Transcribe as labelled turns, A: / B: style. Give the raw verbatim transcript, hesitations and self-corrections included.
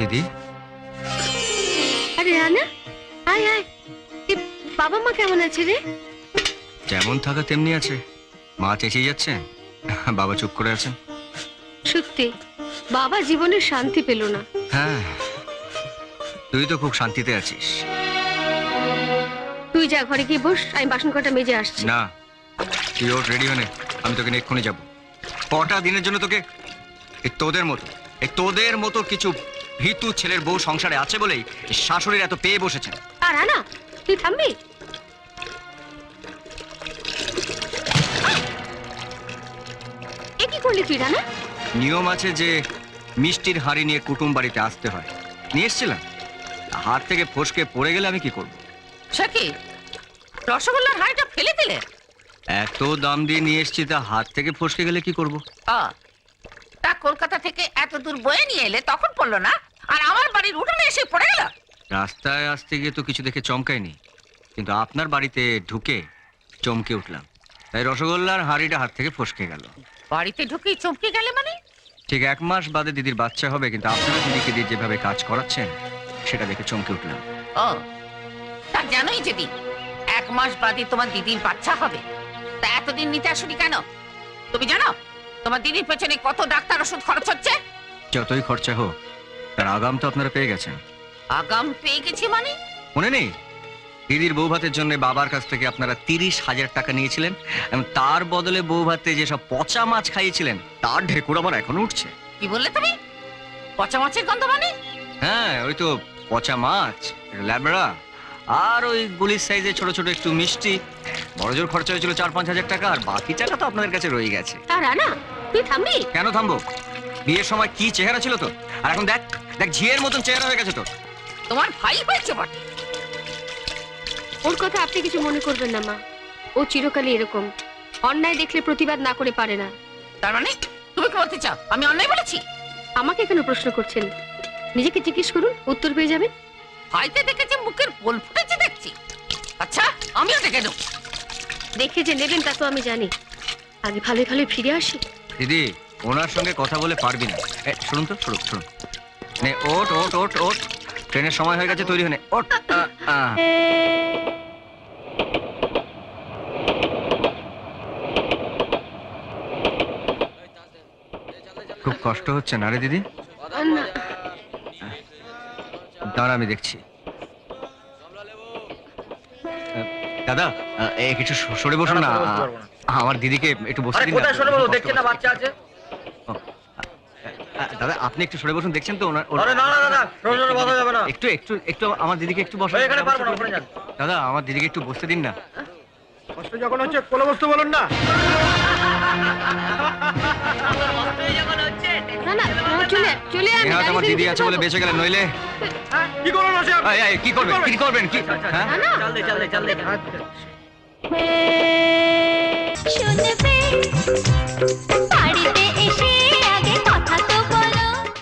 A: দিদি,
B: আরে রানা, আয় আয়। বাবা মা কেমন আছে রে?
A: যেমন থাকা তেমনি আছে। মা চেঁচিয়ে যাচ্ছে, বাবা চুপ করে আছেন।
B: সত্যি বাবা জীবনে শান্তি পেল না।
A: হ্যাঁ, তুই তো খুব শান্তিতে আছিস।
B: তুই যা, ঘরে গিয়ে বস, আমি বাসন কটা মেজে আসছি।
A: না, তুই ওর রেডি হনে, আমি তোকে নিয়ে এক্ষুনি যাবো। কটা দিনের জন্য তোকে এই তোদের মতো এই তোদের মতো কিছু ভীতু ছেলের বউ সংসারে আছে বলেই শাশুড়ির এত পেয়ে বসেছে।
B: আর রানা, তুই থামবি? এ কি করলি তুই রানা?
A: নিয়ম আছে যে মিষ্টির হাড়ি নিয়ে কুটুম বাড়িতে আসতে হয়, নিয়ে এসছিলাম। হাত থেকে ফসকে পড়ে গেলে আমি কি করব?
C: সে কি, রসগোল্লার হাড়িটা ফেলে দিলে?
A: এত দাম দিয়ে নিয়ে এসছি, তা হাত থেকে ফসকে গেলে কি করব?
C: তা কলকাতা থেকে এত দূর বয়ে নিয়ে এলে তখন পড়লো না, আর আমার বাড়ির উঠোনে এসে পড়ে গেল?
A: রাস্তায় আসতে গিয়ে তো কিছু দেখে চমকায়নি, কিন্তু আপনার বাড়িতে ঢুকে চমকে উঠলাম, তাই রসগোল্লার হাড়িটা হাত থেকে ফসকে গেল।
C: বাড়িতে ঢুকেই চমকে গেলে মানে?
A: ঠিক এক মাস বাদে দিদির বাচ্চা হবে, কিন্তু আপনারা দিদিকে দিয়ে যেভাবে কাজ করাচ্ছেন সেটা দেখে চমকে উঠলাম।
C: ও, তা জানোই যদি এক মাস বাদে তোমার দিদির বাচ্চা হবে, তা এতদিন নিতে আসুনি কেন? তুমি জানো তোমার দিদির পেছনে কত ডাক্তার ওষুধ খরচ হচ্ছে?
A: যতই খরচা হোক, তার আগাম তো আপনারা পেয়ে গেছেন।
C: আগাম পেয়ে গেছি মানে?
A: মনে নেই, দিদির বউ ভাতের জন্য বাবার কাছ থেকে আপনারা তিরিশ হাজার টাকা নিয়েছিলেন, এবং তার বদলে বউ ভাতে যেসব পচা মাছ খাইয়েছিলেন তার ঢেকুর আমার এখনো উঠছে।
C: কি বললে তুমি? পচা মাছের গন্ধ মানে?
A: হ্যাঁ, ওই তো পচা মাছ, ল্যাবড়া, আর ওই গুলির সাইজে ছোট ছোট একটু মিষ্টি। বড় জোর খরচা হয়েছিল চার পাঁচ হাজার টাকা, আর বাকি টাকা তো আপনাদের কাছে রয়ে গেছে।
B: আর রানা, তুই থামবি?
A: কেন থামবো? বিয়ের সময় কি চেহারা ছিল তো, আর এখন দেখ দেখ ঝিয়ের মতন চেহারা হয়ে গেছে তো।
C: তোমার ভাই হয়েছে বটে।
B: ওর কথা আপনি কিছু মনে করবেন না মা, ও চিরকালই এরকম, অন্যায় দেখলে প্রতিবাদ না করে পারে না।
C: তার মানে তুমি কি বলতে চাও আমি অন্যায় বলেছি?
B: আমাকে কেন প্রশ্ন করছেন? নিজেকে জিজ্ঞেস করুন, উত্তর পেয়ে যাবেন।
C: ভাইতে দেখেছে মুখের পোল ফুটেছে দেখছি। আচ্ছা, আমিও দেখে নেব।
B: দেখে যে নেবেন তা তো আমি জানি, আগে ভালো ভালো ফিরে আসি।
A: দিদি, ওনার সঙ্গে কথা বলে পারবি না। এ, শুনুন তো, শুনুন শুনুন নে, ওট ওট ওট ওট, ট্রেনের সময় হয়ে গেছে, তৈরি হয়ে নে, ওট। আ, আ। খুব কষ্ট হচ্ছে না রে দিদি?
B: না,
A: দাঁড়া, আমি দেখছি। দাদা, এ কিছু সরে বসুন না, আমার দিদিকে একটু বসতে দিন না।
D: সরে বসো, দেখছেন না বাচ্চা আছে।
A: দাদা, আপনি একটু সরে বসুন, দেখছেন তো ওনার।
D: আরে না না না, সরে সরে বসা যাবে না।
A: একটু একটু একটু আমার দিদিকে একটু বসান।
D: এখানে পারবো না, ওখানে যান।
A: দাদা, আমার দিদিকে একটু বসতে দিন না।
D: কষ্ট যখন হচ্ছে কোলে বসতে বলুন না।
B: না না, চলে চলে আমি
A: নেহাত আমার দিদি আছে বলে বেঁচে গেলেন, নইলে
D: কি করুন বসে?
A: এই, এই, কি করবেন কি করবেন কি? হ্যাঁ,
B: না না,
D: চল দে চল দে চল দে।
E: শুনবে বাড়িতে